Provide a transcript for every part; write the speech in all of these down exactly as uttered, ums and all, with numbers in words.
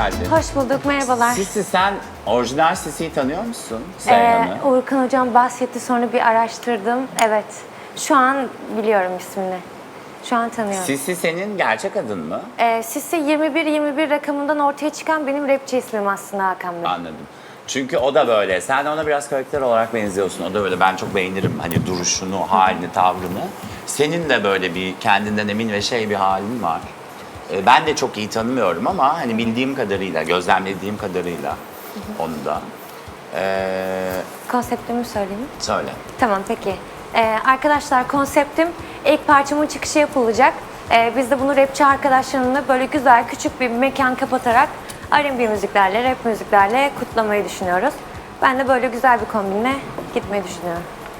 geldin. Hoş bulduk, merhabalar. Sisi, sen orijinal Sisi'yi tanıyor musun? Ee, Seyhan'ı. Uğurkan Hocam bahsetti, sonra bir araştırdım. Evet, şu an biliyorum ismini. Şu an tanıyorum. Sisi senin gerçek adın mı? Ee, Sisi yirmi bir yirmi bir rakamından ortaya çıkan benim rapçi ismim aslında Hakan Bey. Anladım. Çünkü o da böyle. Sen de ona biraz karakter olarak benziyorsun. O da böyle. Ben çok beğenirim hani duruşunu, halini, tavrını. Senin de böyle bir kendinden emin ve şey bir halin var. Ee, ben de çok iyi tanımıyorum ama hani bildiğim kadarıyla, gözlemlediğim kadarıyla onu da. Ee, Konseptimi söyleyeyim. söyle. Tamam, peki. Ee, arkadaşlar, konseptim ilk parçamın çıkışı yapılacak. Ee, biz de bunu rapçi arkadaşlarımla böyle güzel küçük bir mekan kapatarak R and B müziklerle, rap müziklerle kutlamayı düşünüyoruz. Ben de böyle güzel bir kombinle gitmeyi düşünüyorum.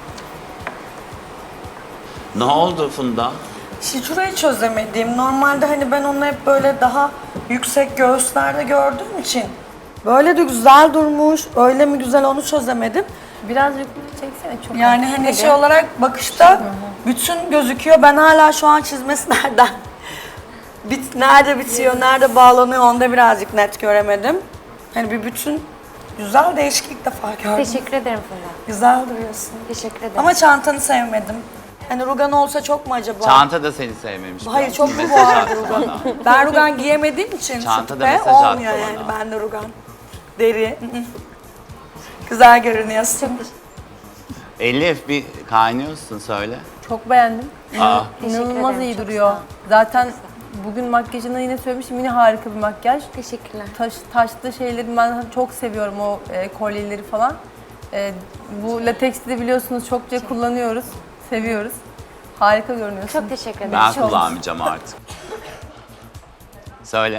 Ne oldu Funda? İşte şurayı çözemediğim. Normalde hani ben onu hep böyle daha yüksek göğüslerde gördüğüm için böyle de güzel durmuş. Öyle mi güzel onu çözemedim. Birazcık çeksene çok. Yani hani şey olarak bakışta bütün gözüküyor. Ben hala şu an çizmesi nereden? Bit, nerede bitiyor, nerede bağlanıyor onu da birazcık net göremedim. Hani bir bütün güzel değişik ilk defa gördüm. Teşekkür ederim Funda. Güzel duruyorsun. Teşekkür ederim. Ama çantanı sevmedim. Hani rugan olsa çok mu acaba? Çanta da seni sevmemiş. Hayır biraz. çok mu Mesaj vardı attı rugan? bana. Ben rugan giyemediğim için Çantada sütte mesaj attı olmuyor yani bana. bende rugan. Deri. ı-ı. Güzel görünüyorsun. Elif bir kaynıyorsun söyle. Çok beğendim. Aa, İnanılmaz ederim, iyi çok duruyor. sağ ol. Zaten bugün makyajını yine söylemiştim. Yine harika bir makyaj. Teşekkürler. Taş, taşlı şeyleri ben çok seviyorum, o e, kolyeleri falan. E, bu lateksi de biliyorsunuz çokça kullanıyoruz. Seviyoruz. Harika görünüyorsun. Çok teşekkür ederim. ben Çok- kullanmayacağım artık. Söyle.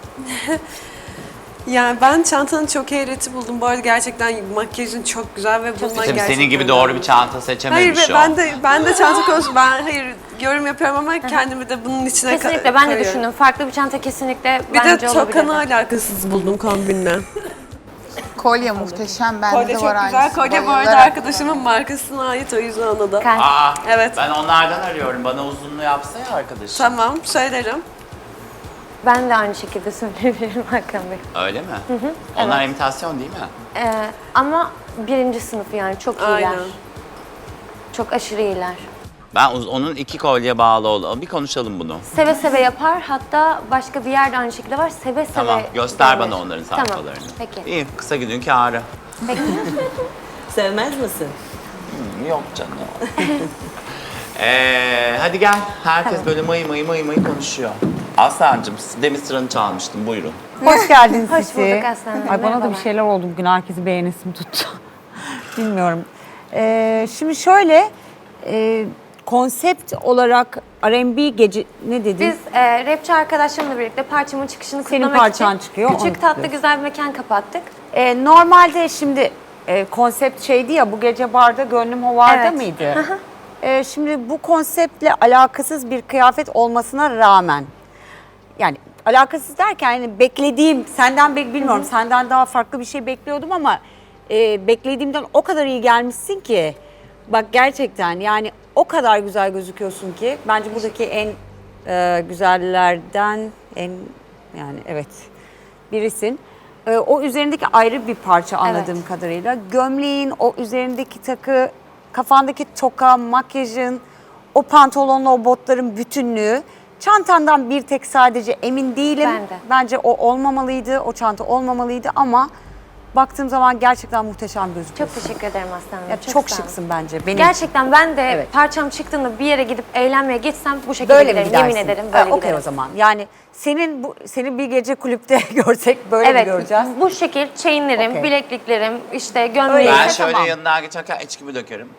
Yani ben çantanı çok heyreti buldum. Bu arada gerçekten makyajın çok güzel ve bundan Tabii gerçekten... senin gibi doğru bir çanta seçememiş Hayır o. be, ben de ben de çanta konusunda ben hayır yorum yapıyorum ama kendimi de bunun içine ka- Kesinlikle ben de koyuyorum. düşündüm. Farklı bir çanta kesinlikle Bir bence de tokanı olabilirdi. alakasız buldum kombinle. Kolye muhteşem, bende Kolye de çok var güzel. aynısı. Kolye bu arada Bayılarak arkadaşımın markasına ait, o yüzden ona da. Kalp. Aa, Evet. ben onlardan arıyorum. Bana uzunluğu yapsa ya arkadaşım. Tamam, söylerim. Ben de aynı şekilde söyleyebilirim Hakan Bey. Öyle mi? Onlar imitasyon değil mi? Ee, ama birinci sınıf yani çok iyiler. Aynen. Çok aşırı iyiler. Ben uz- onun iki kolye bağlı ol. Bir konuşalım bunu. Seve seve yapar. Hatta başka bir yerde aynı şekilde var. Seve seve. Tamam, göster gelir. bana onların Tamam, sayfalarını. peki. İyi, kısa günün kârı. Peki. Sevmez misin? Yok canım. ee, hadi gel. Herkes böyle mıy mıy mıy mıy konuşuyor. Aslancığım, demin sıranı çalmıştım. Buyurun. Hoş geldin Hoş Sisi. bulduk Aslan Hanım, Ay bana da bir merhabalar. şeyler oldu bugün, herkesi beğenesim tuttu. Bilmiyorum. Ee, şimdi şöyle, e, konsept olarak R and B gece ne dedin? Biz e, rapçi arkadaşlarımla birlikte parçamın çıkışını Senin kutlamak parçan için çıkıyor, onu küçük tatlı kutluyoruz. güzel bir mekan kapattık. Ee, normalde şimdi e, konsept şeydi ya, bu gece barda gönlüm hovarda Evet. mıydı? Ee, şimdi bu konseptle alakasız bir kıyafet olmasına rağmen, yani alakasız derken yani beklediğim, senden bek bilmiyorum, senden daha farklı bir şey bekliyordum ama e, beklediğimden o kadar iyi gelmişsin ki, bak gerçekten yani o kadar güzel gözüküyorsun ki, bence buradaki en e, güzellerden en yani evet birisin. E, o üzerindeki ayrı bir parça anladığım Evet. kadarıyla. Gömleğin, o üzerindeki takı, kafandaki toka, makyajın, o pantolonla o botların bütünlüğü. Çantandan bir tek sadece emin değilim. Ben de. Bence o olmamalıydı, o çanta olmamalıydı ama baktığım zaman gerçekten muhteşem gözüküyorsun. Çok teşekkür ederim Aslan Hanım. Ya çok çok sağ olun. şıksın bence. Benim Gerçekten ben de Evet. parçam çıktığında bir yere gidip eğlenmeye gitsem bu şekilde böyle mi giderim. gidersin? Yemin ederim Ha, böyle okey giderim. o zaman. Yani senin bu senin bir gece kulüpte görsek böyle mi Evet, göreceğiz? bu şekil chainlerim, Okey. bilekliklerim, işte Öyle. gömleğim. Ben Neyse, şöyle tamam. yanından geçerken içkimi dökerim.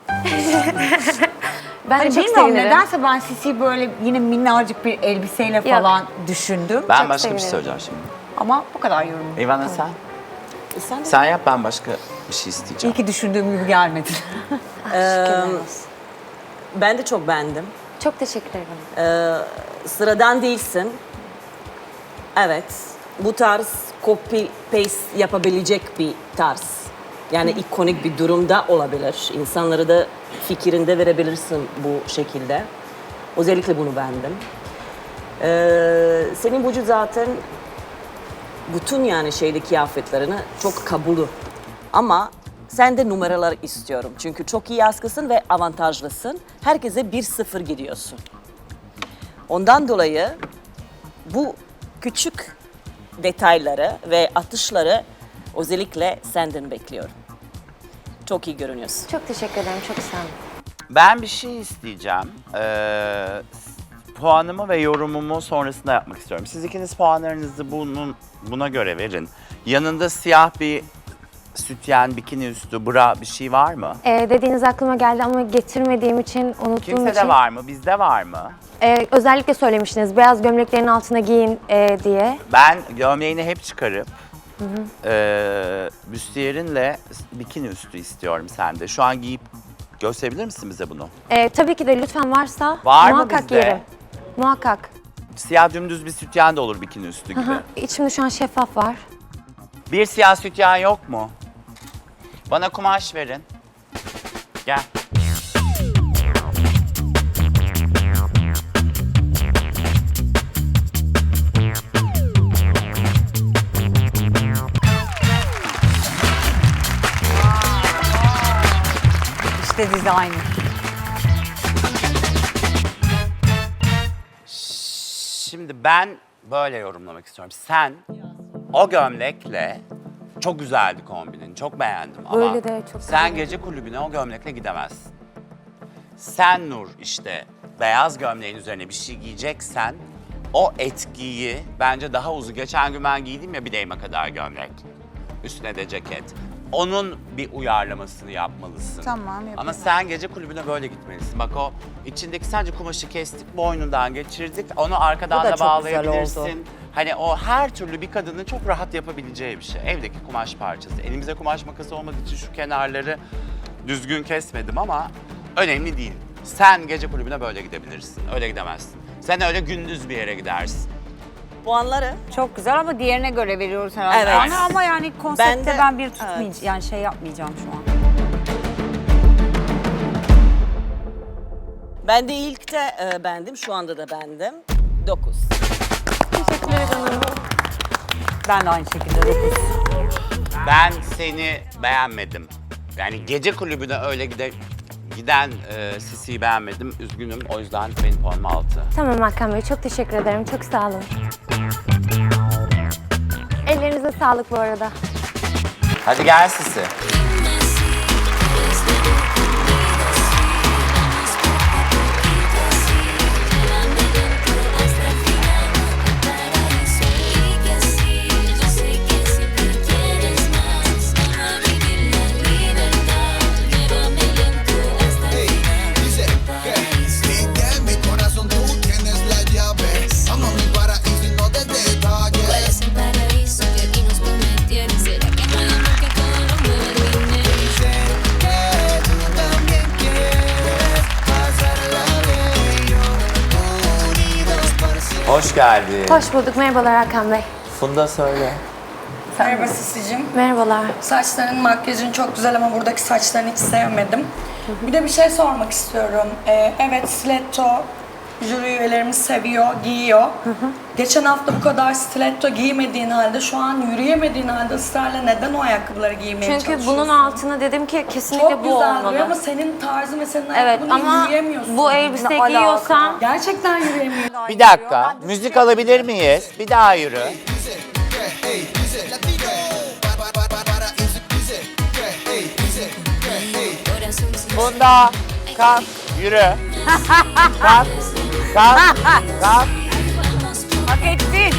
Ben Hani de çok bilmiyorum sevinirim. nedense ben Sisi'yi böyle yine minnacık bir elbiseyle falan düşündüm. Ben Çok başka bir sevinirim. şey söyleyeceğim şimdi. Ama bu kadar yorum. İvana sen? Sen de Sen yap, ben başka bir şey İyi isteyeceğim. ki düşündüğüm gibi gelmedi. Şükürler olsun. ben de çok beğendim. Çok teşekkür ederim. Ee, sıradan değilsin. Evet, bu tarz copy paste yapabilecek bir tarz. Yani ikonik bir durumda olabilir. İnsanlara da fikirinde verebilirsin bu şekilde. Özellikle bunu beğendim. Ee, senin vücut zaten bütün yani şeyde kıyafetlerini çok kabulü. Ama sen de numaralar istiyorum. Çünkü çok iyi askısın ve avantajlısın. Herkese bir sıfır gidiyorsun. Ondan dolayı bu küçük detayları ve atışları özellikle senden bekliyorum. Çok iyi görünüyorsun. Çok teşekkür ederim. Çok sağ olun. Ben bir şey isteyeceğim. Ee, puanımı ve yorumumu sonrasında yapmak istiyorum. Siz ikiniz puanlarınızı bunun buna göre verin. Yanında siyah bir sütyen, bikini üstü, bra bir şey var mı? Ee, dediğiniz aklıma geldi ama getirmediğim için, unuttuğum Kimsede için. var mı? Bizde var mı? Ee, özellikle söylemiştiniz beyaz gömleklerin altına giyin e, diye. Ben gömleğini hep çıkarıp e, büstiyerinle bikini üstü istiyorum sende. Şu an giyip gösterebilir misin bize bunu? Ee, tabii ki de lütfen varsa Var mı muhakkak bizde? giyerim. Muhakkak. Siyah dümdüz bir sütyen de olur bikini üstü gibi. Aha, içimde şu an şeffaf var. Bir siyah sütyen yok mu? Bana kumaş verin. Gel. İşte dizayn. Şimdi ben böyle yorumlamak istiyorum. Sen o gömlekle çok güzeldi kombinin. Çok beğendim ama Öyle de çok sen güzel. gece kulübüne o gömlekle gidemezsin. Sen Nur işte beyaz gömleğin üzerine bir şey giyeceksen o etkiyi bence daha uzun. Geçen gün ben giydim ya bileğime kadar gömlek. Üstüne de ceket. Onun bir uyarlamasını yapmalısın. Tamam, yapayım. Ama sen gece kulübüne böyle gitmelisin. Bak o içindeki sadece kumaşı kestik, boynundan geçirdik. Onu arkadan Bu da da çok güzel bağlayabilirsin. oldu. Hani o her türlü bir kadının çok rahat yapabileceği bir şey. Evdeki kumaş parçası. Elimizde kumaş makası olmadığı için şu kenarları düzgün kesmedim ama önemli değil. Sen gece kulübüne böyle gidebilirsin. Öyle gidemezsin. Sen öyle gündüz bir yere gidersin. Puanları Çok güzel ama diğerine göre veriyoruz herhalde. Evet. Yani ama yani konsepte Ben ben, de- bir tutmayacağım. evet. Yani şey yapmayacağım şu an. ben de ilk de e, bendim, şu anda da bendim. dokuz. Teşekkür ederim. Ben de aynı şekilde dokuz. Ben seni beğenmedim. Yani gece kulübüne öyle gide, giden e, Sisi'yi beğenmedim. Üzgünüm. O yüzden benim puanım altı. Tamam Hakan Bey, çok teşekkür ederim. Çok sağ olun. Ellerinize sağlık bu arada. Hadi gel Sisi. Puede ser paraíso que aquí nos prometieron. ¿Será que no hay amor que todo lo mueve? Hoş geldin. Hoş bulduk. Merhabalar Hakan Bey. Funda söyle. Merhaba Sisi'cim. Merhabalar. Saçların, makyajın çok güzel ama buradaki saçlarını hiç sevmedim. Bir de bir şey sormak istiyorum. Ee, evet, stiletto jüri üyelerimiz seviyor, giyiyor. Geçen hafta bu kadar stiletto giymediğin halde, şu an yürüyemediğin halde ısrarla neden o ayakkabıları giymeye Çünkü çalışıyorsun? bunun altına dedim ki kesinlikle çok bu güzel olmalı. duruyor ama senin tarzın ve senin Evet ayakkabını ama yürüyemiyorsun. bu elbise Ne alaka? giyiyorsam Gerçekten yürüyemiyorsun. Bir dakika. Müzik alabilir miyiz? Bir daha yürü. Funda kalk yürü. Kalk. Kalk. Kalk. Hak ettin.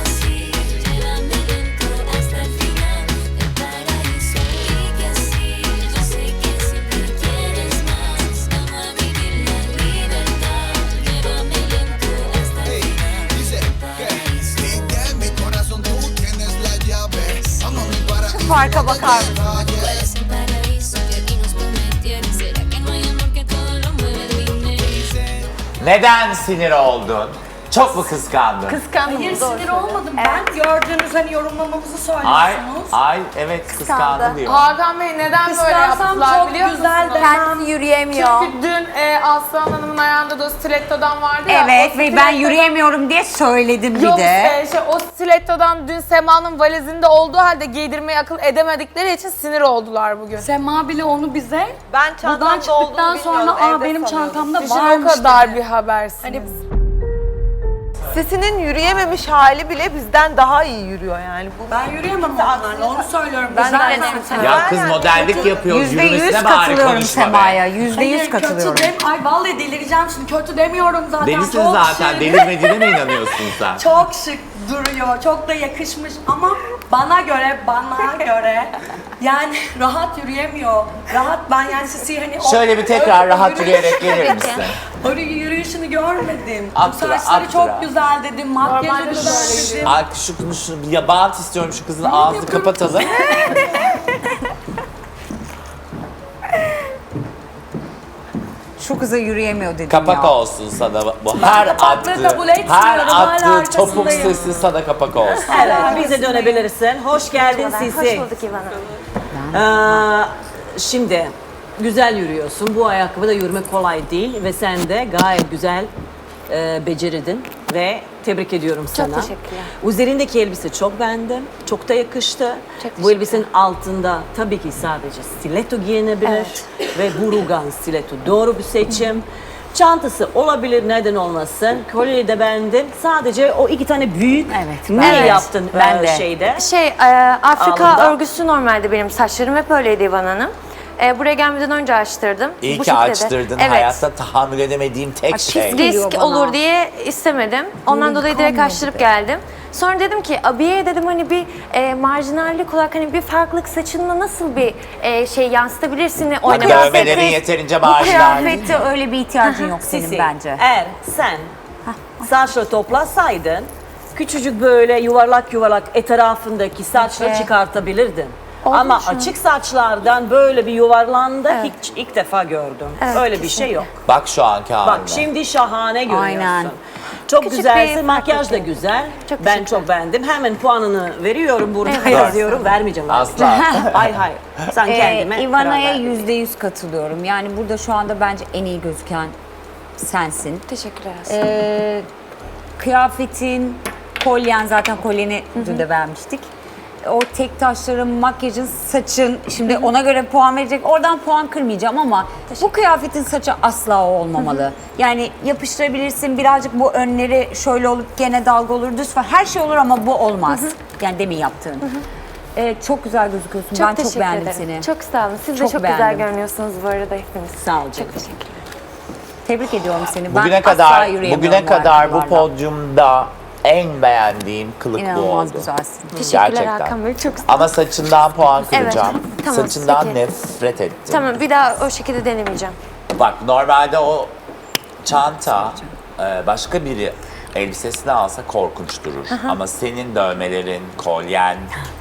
Şu farka bakar mısın? Puede ser paraíso que aquí nos prometieron. ¿Será que no hay amor que todo lo mueve? Dime. Neden sinir oldun? Çok mu kıskandın? Kıskandım. Hayır doğru sinir olmadım. Ben gördüğünüz hani yorumlamamızı Ay, söylüyorsunuz. ay evet kıskandı diyor. Hakan Bey neden böyle Kıskansam yaptılar çok biliyor güzel musunuz? desem yürüyemiyor. Çünkü dün e, Aslan Hanım'ın ayağında da o stilettodan vardı ya. Evet o ve ben stilettodan- yürüyemiyorum diye söyledim bir Yok de. e, şey, o stilettodan dün Sema'nın valizinde olduğu halde giydirmeyi akıl edemedikleri için sinir oldular bugün. Sema bile onu bize Ben buradan çıktıktan sonra aa benim çantamda Düşün o varmış kadar dedi. bir habersiniz. Hani Sesinin yürüyememiş hali bile bizden daha iyi yürüyor yani. Bu ben yürüyemem onlarla onu söylüyorum. Ben Güzel de dedim. Ya kız modellik yapıyor. Yüzde yüz Yürümesine bari katılıyorum konuşma be. Sema'ya. Yüzde yüz Hayır katılıyorum. kötü dem Ay vallahi delireceğim şimdi. Kötü demiyorum zaten. Delisin çok zaten. şık. Delirmediğine mi inanıyorsun sen? Çok şık duruyor. Çok da yakışmış ama bana göre bana göre yani rahat yürüyemiyor. Rahat ben yani sizi hani o- Şöyle bir tekrar öyle rahat yürüyüş- yürüyerek gelir misin? Öyle yürüyüşünü görmedim. Attıra, Saçları çok attıra. güzel dedim. Makyajı güzel dedim. Ay şu, şu ya bant istiyorum şu kızın ağzını kapatalım. Şu kıza yürüyemiyor dedim Kapak ya. olsun sana bu. Her kapaklığı attığı, kabul etmiyorum, her hala attığı topuk arkasındayım. sesi sana kapak olsun. Evet, bize dönebilirsin. Hoş geldin Hoş Sisi. bulduk İvan Hanım. Ee, şimdi güzel yürüyorsun. Bu ayakkabıda yürüme kolay değil ve sen de gayet güzel e, beceridin ve tebrik ediyorum sana. teşekkürler. Üzerindeki elbise çok beğendim. Çok da yakıştı. Çok Bu elbisenin altında tabii ki sadece stiletto giyinebilir ve bu rugan stiletto doğru bir seçim. Çantası olabilir, neden olmasın. Kolyeyi de beğendim. Sadece o iki tane büyük. Evet, Ne ben- yaptın ben e, de. şeyde? Şey, e, Afrika Alnında. örgüsü normalde benim saçlarım hep öyleydi İvan Hanım. E, buraya gelmeden önce açtırdım. İyi Bu ki şekilde de. açtırdın. Evet. Hayatta tahammül edemediğim tek şey. geliyor Risk bana. olur diye istemedim. Ondan dolayı direkt açtırıp geldim. Sonra dedim ki abiye dedim hani bir e, marjinallik olarak hani bir farklılık saçınla nasıl bir e, şey yansıtabilirsin oynamak. Dövmelerin yeterince Bu marjinal değil. kıyafette öyle bir ihtiyacın yok senin Sisi, bence. Eğer sen saçları toplasaydın, küçücük böyle yuvarlak yuvarlak etrafındaki saçları Evet. çıkartabilirdin. Oldu Ama şu an. açık saçlardan böyle bir yuvarlandı hiç ilk defa gördüm. Evet, öyle bir şey yok. Bak şu anki haline. Bak şimdi şahane görüyorsun. Aynen. Çok Küçük güzelsin, bir makyaj da farklılık. güzel. Çok ben teşekkür çok beğendim. Hemen puanını veriyorum burada Evet. yazıyorum. Vermeyeceğim. Asla. Hayır hayır. Sen kendime Ee, Ivana'ya karar ver. yüzde yüz katılıyorum. Yani burada şu anda bence en iyi gözüken sensin. Teşekkürler aslında. Ee, kıyafetin, kolyen zaten kolyeni dün de beğenmiştik. O tek taşların, makyajın, saçın, şimdi ona göre puan verecek. Oradan puan kırmayacağım ama bu kıyafetin saçı asla o olmamalı. Yani yapıştırabilirsin birazcık bu önleri şöyle olup gene dalga olur, düz falan. Her şey olur ama bu olmaz. Yani demin yaptığın. Ee, çok güzel gözüküyorsun. ben çok teşekkür beğendim ederim. seni. Çok sağ olun. Siz Çok de çok beğendim. güzel görünüyorsunuz bu arada hepiniz. Sağ ol canım. Çok teşekkür Tebrik ediyorum seni. Bugüne ben kadar asla yürüyemiyorum bugüne kadar bu ayakkabılarla. podyumda en beğendiğim kılık bu oldu. İnanılmaz güzelsin. Teşekkürler Gerçekten. Hakan Bey. Çok sağ olun. Ama saçından puan kıracağım. Evet, tamam, Saçından peki. nefret ettim. Tamam bir daha o şekilde denemeyeceğim. Bak normalde o çanta e, başka biri elbisesini alsa korkunç durur. Ama senin dövmelerin, kolyen,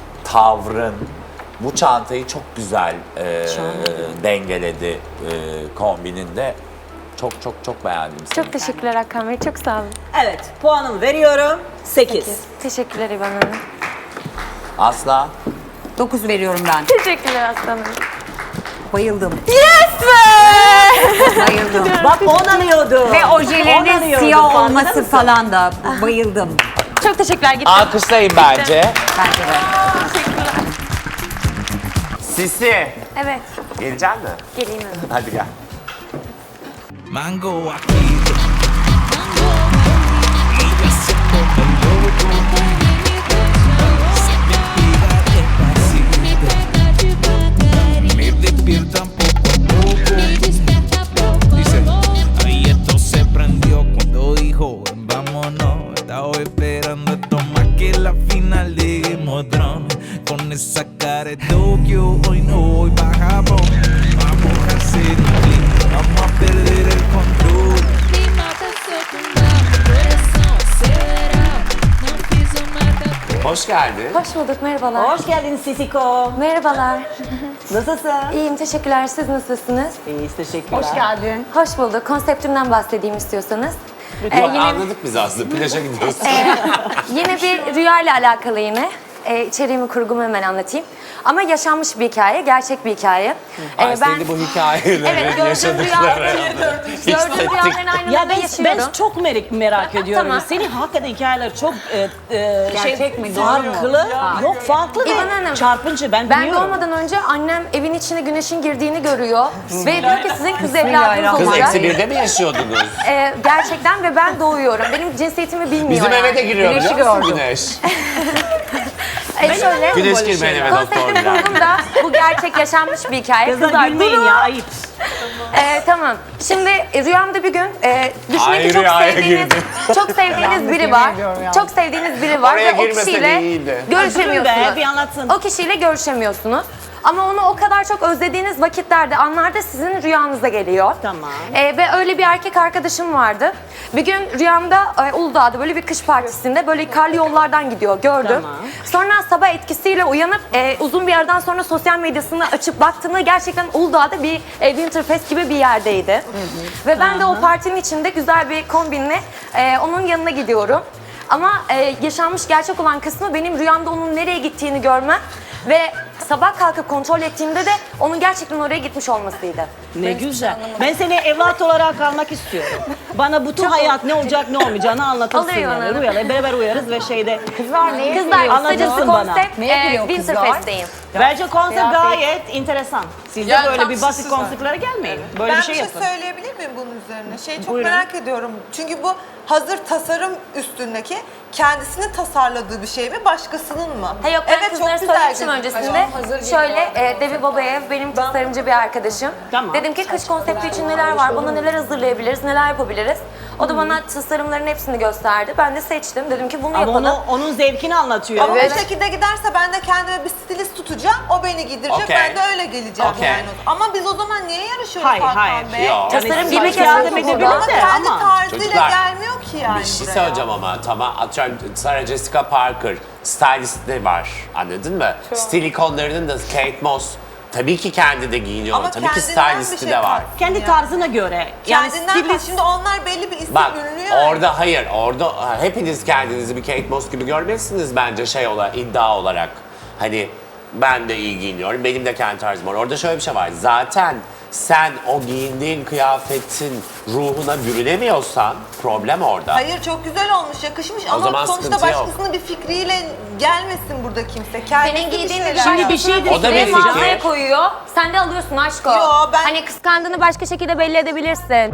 tavrın bu çantayı çok güzel e, dengeledi e, kombininde. Çok çok çok beğendim seni. Çok teşekkürler Hakan Bey. Çok sağ olun. Evet, puanımı veriyorum. sekiz. Teşekkürler İvan Hanım. Asla. dokuz veriyorum ben. Teşekkürler aslanım. Bayıldım. Yes be! Bayıldım. Bak on arıyordu. Ve ojelerinin On arıyordu, siyah farkında olması mısın? falan da bayıldım. Çok teşekkürler. Gittim. Alkışlayın bence. Bence de. Sisi. Evet. Gelecek mi? Geleyim hemen. Hadi gel. Mango aquí. Ella se pone loco. Se me pega despacito. Me despiertan poco a poco. Dice, ahí esto se prendió cuando dijo vámonos. Estaba esperando esto más que la final de Game of Thrones. Con esa cara de Tokio hoy no voy pa' Japón. Vamos a hacer un clic, vamos a perder el control. Hoş geldin. Hoş bulduk. Merhabalar. Hoş geldin Sisiko. Merhabalar. Nasılsın? İyiyim. Teşekkürler. Siz nasılsınız? İyiyiz, teşekkürler. Hoş geldin. Hoş bulduk. Konseptimden bahsedeyim istiyorsanız. Ee, yine, Anladık biz aslında. Plaja gidiyoruz. yine bir rüya ile alakalı yine. Ee, içeriğimi, kurgumu hemen anlatayım. Ama yaşanmış bir hikaye, gerçek bir hikaye. Ay Ee, seni bu hikayeleri, Evet, gördüğüm yaşadıkları. rüyaların, gördüğüm rüyaların aynılarını Ya ben, yaşıyorum. ben çok merak, merak ediyorum. Tamam. Senin hakikaten hikayeler çok e, e, Gerçek şey, mi? farklı. Yok farklı İvan ve Hanım, çarpıcı ben Ben biliyorum. doğmadan önce annem evin içine güneşin girdiğini görüyor ve diyor ki sizin kız evladınız Kız olacak. eksi birde mi yaşıyordunuz? Ee, gerçekten ve ben doğuyorum. Benim cinsiyetimi bilmiyor Bizim yani. eve de giriyor Güneşi biliyor musun gördüm. güneş? E şöyle, Güneş girmeyen eve doktor konseptim girer. kurgumda bu gerçek yaşanmış bir hikaye. Kızlar Kızlar gülmeyin durun. ya ayıp. Ee, tamam. Şimdi e, rüyamda bir gün e, düşünün Ay, ki çok rüyaya sevdiğiniz, girdim. çok sevdiğiniz biri var. Çok sevdiğiniz biri var Oraya ve o girmese de kişiyle iyiydi. Durun be, görüşemiyorsunuz. bir anlatsın. O kişiyle görüşemiyorsunuz. Ama onu o kadar çok özlediğiniz vakitlerde, anlarda sizin rüyanıza geliyor. Tamam. Ee, ve öyle bir erkek arkadaşım vardı. Bir gün rüyamda e, Uludağ'da böyle bir kış partisinde böyle karlı yollardan gidiyor gördüm. Tamam. Sonra sabah etkisiyle uyanıp e, uzun bir yerden sonra sosyal medyasını açıp baktığında gerçekten Uludağ'da bir e, Winterfest gibi bir yerdeydi. Ve ben de o partinin içinde güzel bir kombinle e, onun yanına gidiyorum. Ama e, yaşanmış gerçek olan kısmı benim rüyamda onun nereye gittiğini görmem ve sabah kalkıp kontrol ettiğimde de onun gerçekten oraya gitmiş olmasıydı. Ne güzel. Ben seni evlat olarak almak istiyorum. Bana bütün hayat ne olacak ne olmayacağını anlatırsın Oluyor yani. bana. Rüyalar beraber uyarız ve şeyde. Kızlar neye Kızlar gülüyor? kısacası Anlatırsın bana. konsept Neye e, gülüyor kızlar? Winterfest'teyim. Bence konsept gayet enteresan. Siz de Yani böyle tam bir basit siz var. konseptlere gelmeyin. Böyle Ben bir şey yapın. söyleyebilir miyim bunun üzerine? Şeyi çok Buyurun. merak ediyorum. Çünkü bu hazır tasarım üstündeki kendisinin tasarladığı bir şey mi, başkasının mı? Ha yok ben evet, kızlara çok güzel söylemiştim gözüküyor. öncesinde. Şöyle e, Devi Babayev benim tasarımcı bir arkadaşım. Tamam. Dedim ki kış konsepti için neler var, bana neler hazırlayabiliriz, neler yapabiliriz. O da bana tasarımların hepsini gösterdi. Ben de seçtim. Dedim ki bunu Ama yapalım. onu, onun zevkini anlatıyor. Ama Evet. bu şekilde giderse ben de kendime bir stilist tutacağım, o beni giydirecek, Okey. ben de öyle geleceğim Okey. yani. Ama biz o zaman niye yarışıyoruz Hayır, Hakan hayır. Bey? Yok. Tasarım Yani gibi siz yardım kesinlikle edebilir Ama de kendi ama. tarzıyla Çocuklar, gelmiyor ki yani Bir şey buraya. söyleyeceğim ama tamam atıyorum Sarah Jessica Parker stylistleri var anladın mı? Stil ikonlarının da Kate Moss tabii ki kendi de giyiniyor Ama tabii ki kendinden stylisti bir şey de var. farklı Kendi yani. tarzına göre. Yani Kendinden stilist. farklı. Şimdi onlar belli bir isim Bak ünlü yani. orada hayır orada hepiniz kendinizi bir Kate Moss gibi görmezsiniz bence şey olarak iddia olarak. Hani ben de iyi giyiniyorum benim de kendi tarzım var. Orada şöyle bir şey var zaten sen o giyindiğin kıyafetin ruhuna bürünemiyorsan problem orada. Hayır çok güzel olmuş, yakışmış ama zaman sonuçta sıkıntı yok. başkasının bir fikriyle gelmesin burada kimse. Kendisi Senin giydiğin bir bir şeyler şey bir şey de O da bir ve fikir. mağazaya koyuyor. Sen de alıyorsun aşko. Yo, ben- Hani kıskandığını başka şekilde belli edebilirsin.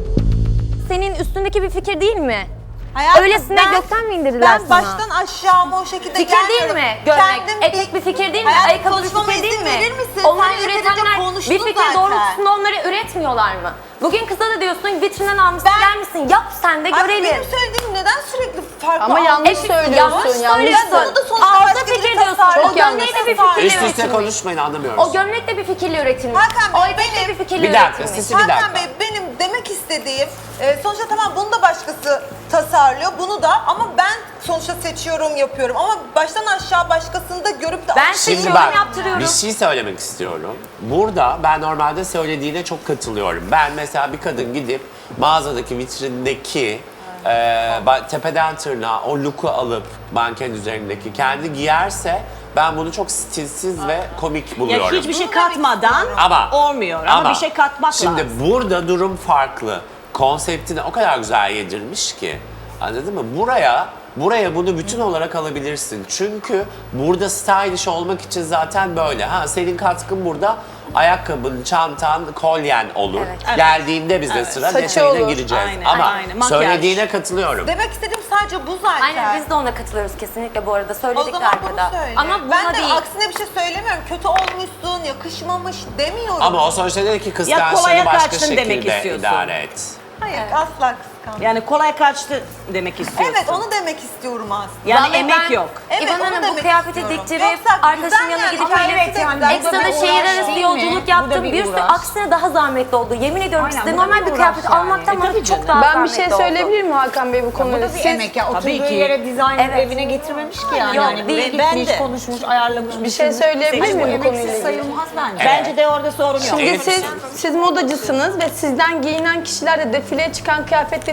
Senin üstündeki bir fikir değil mi? Hayatım, Öylesine ben- gökten mi indirdiler Ben sana? baştan aşağı mı o şekilde Fikir değil gelmiyorum. mi? Görmek. Kendim Etek bir fikir değil mi? Hayatım, Ayakkabı bir konuşmama fikir değil izin mi? verir misin? Onları Sen yeterince üretenler konuştun bir fikir zaten. doğrultusunda onları üretmiyorlar mı? Bugün kıza da diyorsun vitrinden almışsın Ben- gelmişsin yap sen de Ay, görelim. benim söylediğim neden sürekli farklı? Ama yanlış E, söylüyorsun. yanlış yanlış söylüyorsun. Onu da sonuçta Ağızda başka biri fikir diyorsun. tasarladı. O Çok yanlış. gömleği de bir fikirle Üst üste üretilmiş. konuşmayın anlamıyoruz. O gömlek de bir fikirle üretilmiş. Hakan Bey, o etek de benim- bir fikirle Bir dakika, üretilmiş. siz- Bir dakika. Hakan Bey benim demek istediğim e, sonuçta tamam bunu da başkası tasarlıyor bunu da ama ben sonuçta seçiyorum yapıyorum ama baştan aşağı başkasını da görüp de Ben Şimdi seçiyorum bak yaptırıyorum. bir şey söylemek istiyorum. Burada ben normalde söylediğine çok katılıyorum. Ben mesela bir kadın gidip mağazadaki vitrindeki e, ba- tepeden tırnağa o look'u alıp manken üzerindeki kendi giyerse ben bunu çok stilsiz ve komik Ya buluyorum. hiçbir şey katmadan Ama olmuyor ama, bir şey katmak şimdi lazım. burada durum farklı. Konseptini o kadar güzel yedirmiş ki. Anladın mı? Buraya buraya bunu bütün olarak alabilirsin. Çünkü burada stylish olmak için zaten böyle. Ha senin katkın burada ayakkabın, çantan, kolyen olur. Evet. Geldiğinde bize sıra Saçı detayına olur. gireceğiz. Aynen, Ama aynen. Makyaj. söylediğine katılıyorum. demek istediğim sadece bu zaten. Aynen biz de ona katılıyoruz kesinlikle bu arada O söyledik de zaman bunu arkada. söyle. Ama buna ben de değil. aksine bir şey söylemiyorum. Kötü olmuşsun, yakışmamış demiyorum. Ama o sonuçta dedi ki kolaya kıskançlığını başka kaçtın demek şekilde istiyorsun. idare et. Hayır asla kıskanmıyorum. Yani kolay kaçtı demek istiyorsun. Evet onu demek istiyorum aslında. Yani Vallahi emek ben- yok. Evet, İvan onu Hanım bu demek kıyafeti istiyorum. diktirip Yoksa arkadaşın güzel yanına yani, gidip ama öyle evet yani, bu da ekstra da bir şehir uğraş arası değil mi? yolculuk Bu da yaptım. bir Bir sürü uğraş. aksine daha zahmetli oldu. Yemin ediyorum Aynen, size bu da normal bir bir uğraş kıyafet yani. almaktan E, bana tabii çok canım. daha Ben bir şey zahmetli oldu. söyleyebilir miyim Hakan Bey bu Bu konuda? da bir Siz- emek ya. Oturduğu Tabii ki. yere dizayn Evet. evine getirmemiş ki yani. Yok, yani değil. buraya Ben gitmiş, de. konuşmuş, ayarlamış. Bir şey söyleyebilir Hayır, bu miyim bu konuyla emeksiz ilgili? sayılmaz bence. Bence de orada sorun yok. Şimdi Evet. siz siz modacısınız ve sizden giyinen kişiler de defileye çıkan kıyafetlerini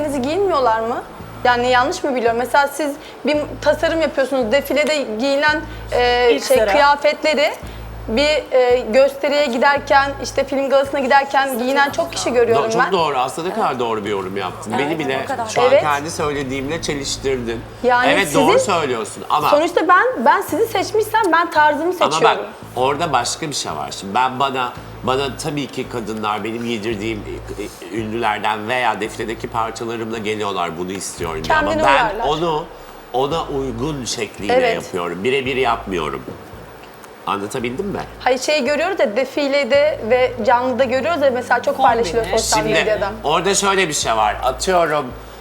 kıyafetlerinizi giyinmiyorlar mı? Yani yanlış mı biliyorum? Mesela siz bir tasarım yapıyorsunuz, defilede giyilen e, İlk şey sıra. kıyafetleri bir e, gösteriye giderken, işte film galasına giderken giyinen çok kişi görüyorum Do- çok ben. doğru. Aslında ne kadar doğru bir yorum yaptın. Beni bile kadar. şu an Evet. kendi söylediğimle çeliştirdin. Yani evet sizin- doğru söylüyorsun ama Sonuçta ben ben sizi seçmişsem ben tarzımı ama seçiyorum. bak orada başka bir şey var. Şimdi ben bana bana tabii ki kadınlar benim giydirdiğim ünlülerden veya defiledeki parçalarımla geliyorlar bunu istiyorum diye. ama Kendine ben uyarlar. onu ona uygun şekliyle Evet. yapıyorum. Birebir yapmıyorum. Anlatabildim mi? Hayır şeyi görüyoruz ya defilede ve canlıda görüyoruz ya mesela çok paylaşılıyor sosyal Şimdi medyada. orada şöyle bir şey var. Atıyorum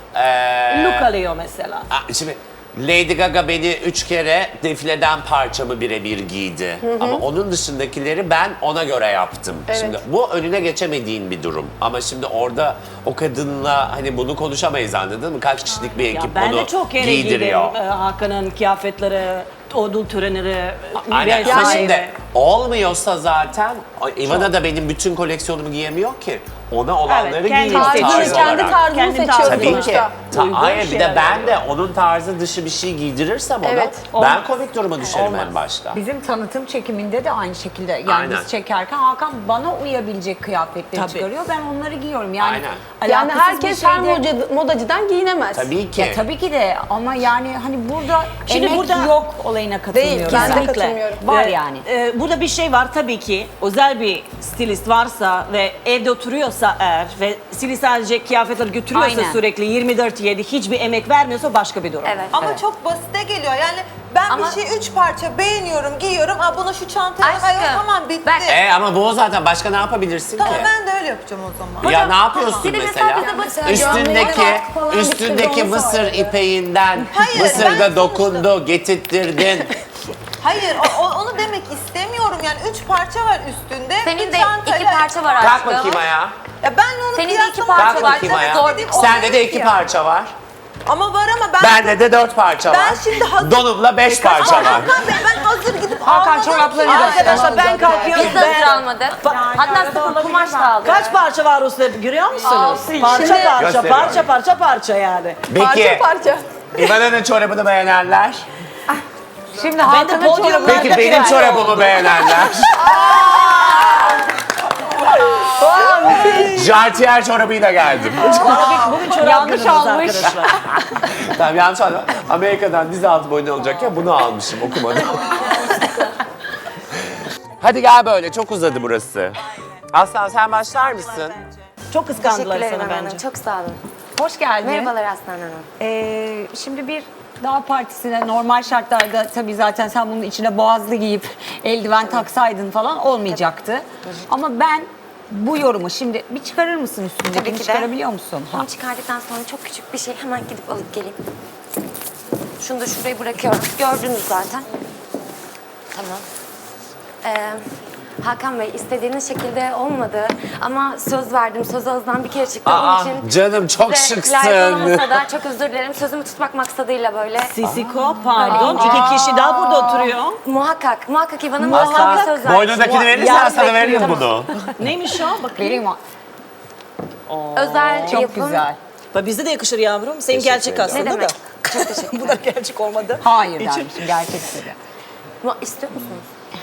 eee Look alıyor mesela. Aa, Şimdi Lady Gaga beni üç kere defileden parçamı birebir giydi. Ama onun dışındakileri ben ona göre yaptım. Evet. Şimdi bu önüne geçemediğin bir durum. Ama şimdi orada o kadınla hani bunu konuşamayız anladın mı? Kaç kişilik bir Ya ekip ben bunu de çok kere giydiriyor. giydim. Ee, Hakan'ın kıyafetleri, ödül törenleri, Aynen. vesaire. Ama şimdi olmuyorsa zaten Ivana da benim bütün koleksiyonumu giyemiyor ki. Ona olanları kendi giyiyor seçiyor. tarz Tarzını, kendi olarak. tarzını Kendi seçiyor tarzını. Tabii ki. sonuçta. Ta- Uygun hayır bir de şeyler ben de onun tarzı dışı bir şey giydirirsem ona Evet. ben komik duruma düşerim en başta. Bizim tanıtım çekiminde de aynı şekilde. Yani Aynen. biz çekerken Hakan bana uyabilecek kıyafetleri Tabii. çıkarıyor. Ben onları giyiyorum. Yani Aynen. Yani alakasız herkes bir her şeyde- moda- modacıdan giyinemez. Tabii ki. Ya tabii ki de ama yani hani burada Şimdi emek burada- yok olayına katılmıyorum. Değil, ben de Kesinlikle. katılmıyorum. Var Ee, yani. e, burada bir şey var tabii ki. Özel bir stilist varsa ve evde oturuyorsa eğer ve stilist sadece kıyafetleri götürüyorsa Aynen. sürekli yirmi dört yedi hiçbir emek vermiyorsa başka bir durum. Evet. Ama Evet. çok basite geliyor. Yani ben Ama- bir şey üç parça beğeniyorum, giyiyorum. Aa bunu şu çantaya Aşkım, hayır tamam bitti. bak- E ama bu o zaten başka ne yapabilirsin Tamam ki? ben de öyle yapacağım o zaman. Ya Hocam, ne yapıyorsun bir de mesela? mesela bize bak- Üstündeki gömleği falan bir üstündeki sürü mısır vardı. ipeğinden Hayır, ben Mısır'da sonuçta- dokundu, getirttirdin. Hayır o- o- onu demek istemiyorum. Yani üç parça var üstünde. Senin bir de çantayla- iki parça var Kalk aşkım. bakayım ayağa. Ya ben onu Senin de iki kıyaslamak parça Kalk var. bakayım Çok ayağa. zor Dediğim Sende olmuyor de iki ki. parça var. Ama var ama ben... Bende de dört parça Ben var. şimdi hazır- Donumla beş parça var. Hakan Bey ben hazır gidip Hakan almadım çorapları ki. da- Arkadaşlar ben kalkıyorum. Biz de hazır almadık. Hatta sıfır kumaş da aldık. Kaç parça var üstünde görüyor musunuz? Parça Şimdi- parça, Gösteriyorum. parça parça parça yani. Peki, Parça parça. İvana'nın çorabını beğenenler? Şimdi Ben de Hakan'ın podyumlarda Peki benim çorabımı beğenenler? Jartier çorabıyla geldim. Bugün çorap Yanlış günümüz almış. arkadaşlar. Tamam yanlış anladım. Amerika'dan dizi altı boyunca olacakken bunu almışım okumadım. Hadi gel böyle çok uzadı burası. Aslan sen başlar mısın? Çok kıskandılar Teşekkürler sana Hanım. bence. Çok sağ olun. Hoş geldin. Merhabalar Aslan Hanım. Ee, şimdi bir dağ partisine normal şartlarda tabii zaten sen bunun içine boğazlı giyip eldiven taksaydın falan olmayacaktı. Ama ben bu yorumu şimdi bir çıkarır mısın üstündekini? Tabii ki de. Çıkarabiliyor musun? Ha. Bunu çıkardıktan sonra çok küçük bir şey hemen gidip alıp geleyim. Şunu da şuraya bırakıyorum. Gördünüz zaten. Tamam. Ee, Hakan Bey istediğiniz şekilde olmadı ama söz verdim. Söz ağızdan bir kere çıktı. Aa, Onun için canım çok size şıksın. layık olamasa da çok özür dilerim. Sözümü tutmak maksadıyla böyle. Sisiko pardon. İki kişi daha burada oturuyor. Muhakkak, muhakkak İvan'a Aslan muhakkak bir söz verdim. boynundakini verirsen Yarın sana veririm bekliyorum. bunu. Neymiş o? Bakayım. Vereyim o. Özel Çok yapım. güzel. Bak bizde de yakışır yavrum. Senin gerçek ederim. aslında Ne demek? da. Çok teşekkür Bu da gerçek olmadı. Hayır İçin- dermişim gerçek dedi. Mu- İstiyor musunuz?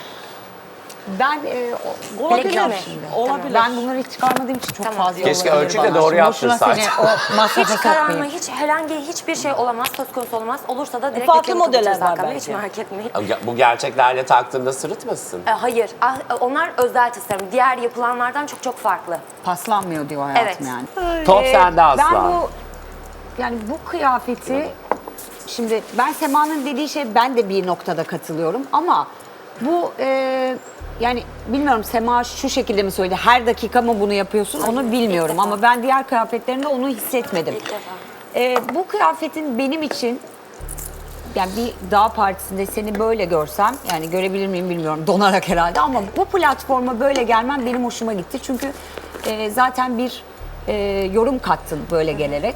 Ben e, o- olabilir Bileklik mi? şimdi. Olabilir. Ben bunları hiç çıkarmadığım için çok Tamam. fazla Keşke olabilir ölçüyü de bana. doğru Şimdi boşuna yaptırsaydın. seni o masrafa Hiç kararma, sokmayayım. hiç herhangi hiçbir şey olamaz, söz konusu olmaz. Olursa da direkt Farklı reklamı modeller kapatırız var Hakan Bey, belki. hiç merak etmeyin. Bu gerçeklerle taktığında sırıtmasın. E, hayır, ah, onlar özel tasarım. Diğer yapılanlardan çok çok farklı. Paslanmıyor diyor hayatım Evet. yani. Top Ee, sende Aslan. Ben bu yani bu kıyafeti şimdi ben Sema'nın dediği şey ben de bir noktada katılıyorum ama bu e, yani bilmiyorum Sema şu şekilde mi söyledi her dakika mı bunu yapıyorsun onu bilmiyorum defa. ama ben diğer kıyafetlerinde onu hissetmedim. İlk defa. E, bu kıyafetin benim için yani bir dağ partisinde seni böyle görsem yani görebilir miyim bilmiyorum donarak herhalde ama bu platforma böyle gelmem benim hoşuma gitti çünkü e, zaten bir e, yorum kattın böyle gelerek.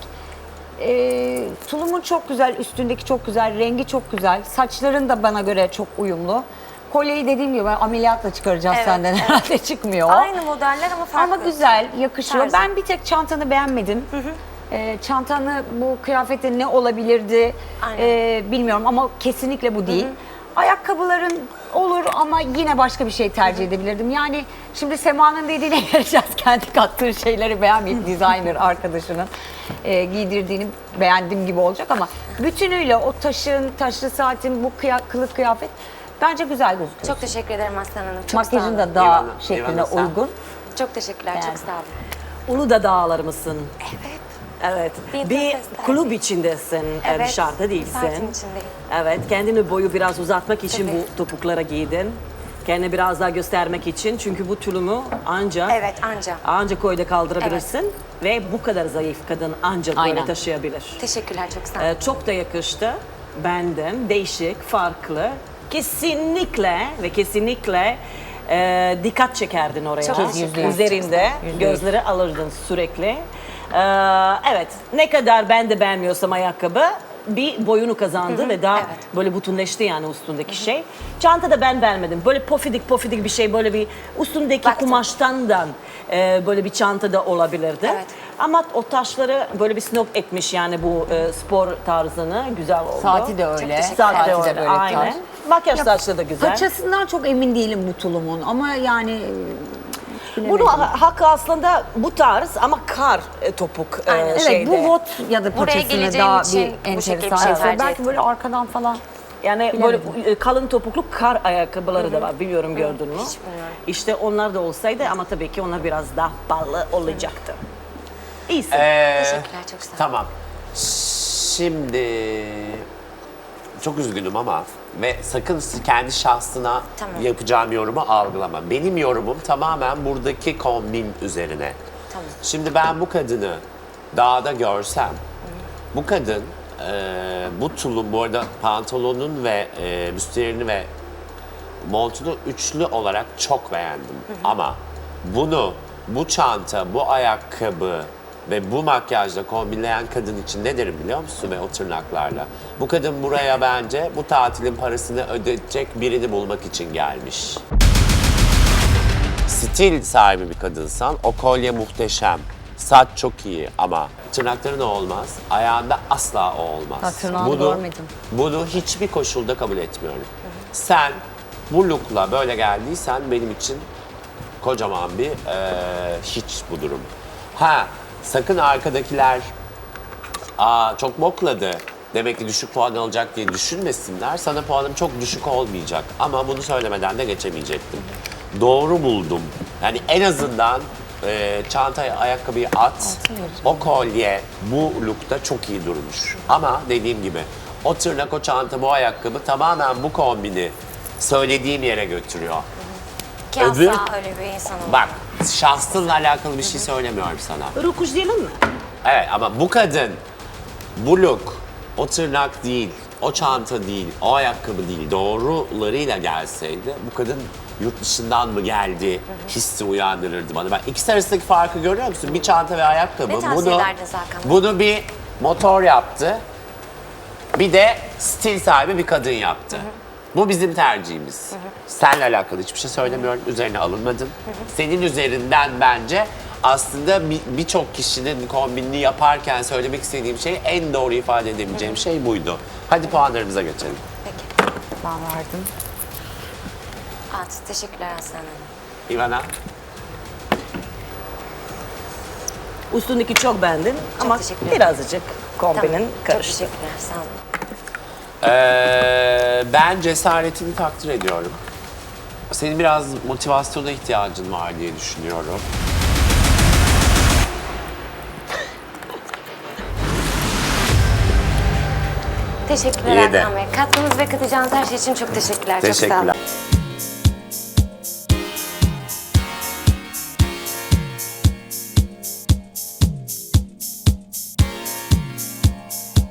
E, tulumun çok güzel, üstündeki çok güzel, rengi çok güzel, saçların da bana göre çok uyumlu. Kolyeyi dediğim gibi ameliyatla çıkaracağız Evet, senden evet. herhalde çıkmıyor. o. Aynı modeller ama farklı. Ama güzel, yakışıyor. Tarzı. Ben bir tek çantanı beğenmedim. Ee, çantanı bu kıyafette ne olabilirdi Aynen. ee, bilmiyorum ama kesinlikle bu değil. Ayakkabıların olur ama yine başka bir şey tercih edebilirdim. Yani şimdi Sema'nın dediğine geleceğiz. Kendi kattığı şeyleri beğenmeyip designer arkadaşının e, giydirdiğini beğendiğim gibi olacak ama bütünüyle o taşın, taşlı saatin, bu kıya, kılık kıyafet bence güzel gözüküyor. Çok teşekkür ederim Aslan Hanım. Çok sağ Makyajın olun. da daha Eyvallah, şekline eyvallah, sen. uygun. Çok teşekkürler. Yani. Çok sağ olun. Uludağ dağlar mısın? Evet. Evet. Bir Bir festival. kulüp içindesin, ev Evet, dışarıda değilsin. partim içindeyim. Evet, kendini boyu biraz uzatmak için Tabii. bu topuklara giydin. Kendini biraz daha göstermek için çünkü bu tulumu ancak Evet, anca. ancak koyda kaldırabilirsin ve bu kadar zayıf kadın ancak böyle Aynen. taşıyabilir. Teşekkürler. Çok sağ olun. Ee, çok da yakıştı. Benden değişik, farklı. Kesinlikle ve kesinlikle e, dikkat çekerdin oraya. Çok teşekkür ederim. Üzerinde gözleri alırdın sürekli. Ee, evet, ne kadar ben de beğenmiyorsam ayakkabı bir boyunu kazandı ve daha evet. böyle bütünleşti yani üstündeki şey. Çanta da ben beğenmedim. Böyle pofidik pofidik bir şey, böyle bir üstündeki Baktım. kumaştandan e, böyle bir çanta da olabilirdi. Evet. Ama o taşları böyle bir snob etmiş yani bu e, spor tarzını güzel oldu. Saati de öyle. teşekkür Saati de Saati de öyle, böyle aynen. tarz. Makyaj taşları da güzel. Paçasından çok emin değilim bu tulumun ama yani bilemedim. Bunu ha- hakkı aslında bu tarz ama kar e, topuk e, Aynen. Evet, şeyde. bu bot ya da Buraya paçasını geleceğim daha için bir bu şekilde bir enteresan. şey tercih Belki ettim. böyle arkadan falan. Yani Bilemedim. böyle e, kalın topuklu kar ayakkabıları da var. Biliyorum gördün mü? Hiç bilmiyorum. İşte onlar da olsaydı ama tabii ki onlar biraz daha pahalı olacaktı. İyisin. Ee, Teşekkürler. Çok sağ olun. Tamam. Şimdi çok üzgünüm ama ve sakın kendi şahsına Tamam. yapacağım yorumu algılama. Benim yorumum tamamen buradaki kombin üzerine. Tamam. Şimdi ben bu kadını dağda görsem, bu kadın e, bu tulum, bu arada pantolonun ve e, büstiyerini ve montunu üçlü olarak çok beğendim. Ama bunu, bu çanta, bu ayakkabı ve bu makyajla kombinleyen kadın için ne derim biliyor musun ve o tırnaklarla? Bu kadın buraya bence bu tatilin parasını ödeyecek birini bulmak için gelmiş. Stil sahibi bir kadınsan o kolye muhteşem. Saç çok iyi ama tırnakların olmaz. Ayağında asla o olmaz. Ha, tırnağını görmedim. Bunu hiçbir koşulda kabul etmiyorum. Sen bu look'la böyle geldiysen benim için kocaman bir eee, hiç bu durum. Ha sakın arkadakiler aa çok bokladı demek ki düşük puan alacak diye düşünmesinler. Sana puanım çok düşük olmayacak ama bunu söylemeden de geçemeyecektim. Doğru buldum. Yani en azından e, çantaya ayakkabıyı at. O kolye bu lookta çok iyi durmuş. Ama dediğim gibi o tırnak, o çanta, bu ayakkabı tamamen bu kombini söylediğim yere götürüyor. Ki Öbür- asla öyle bir insan olmam. Bak şahsınla alakalı bir şey söylemiyorum sana. Rukuş diyelim mi? Evet ama bu kadın, bu look, o tırnak değil, o çanta değil, o ayakkabı değil, doğrularıyla gelseydi bu kadın yurt dışından mı geldi hissi uyandırırdı bana. Ben ikisi arasındaki farkı görüyor musun? Bir çanta ve ayakkabı. Ne tavsiye ederdiniz Hakan Bey? bunu bir motor yaptı, bir de stil sahibi bir kadın yaptı. Bu bizim tercihimiz. Seninle alakalı hiçbir şey söylemiyorum. Üzerine alınmadım. Senin üzerinden bence aslında bir- birçok kişinin kombinini yaparken söylemek istediğim şey, en doğru ifade edebileceğim şey buydu. Hadi puanlarımıza geçelim. Peki. Ben verdim. At. Teşekkürler Aslan Hanım. İvana, Üstündeki çok beğendin ama teşekkür ederim. birazcık kombinin Tamam. Çok karıştı. teşekkürler. Sağ olun. Ee, ben cesaretini takdir ediyorum. Senin biraz motivasyona ihtiyacın var diye düşünüyorum. Teşekkürler İyi de. Hakan Bey. Katkınız ve katacağınız her şey için çok teşekkürler. Çok sağ olun. Teşekkürler.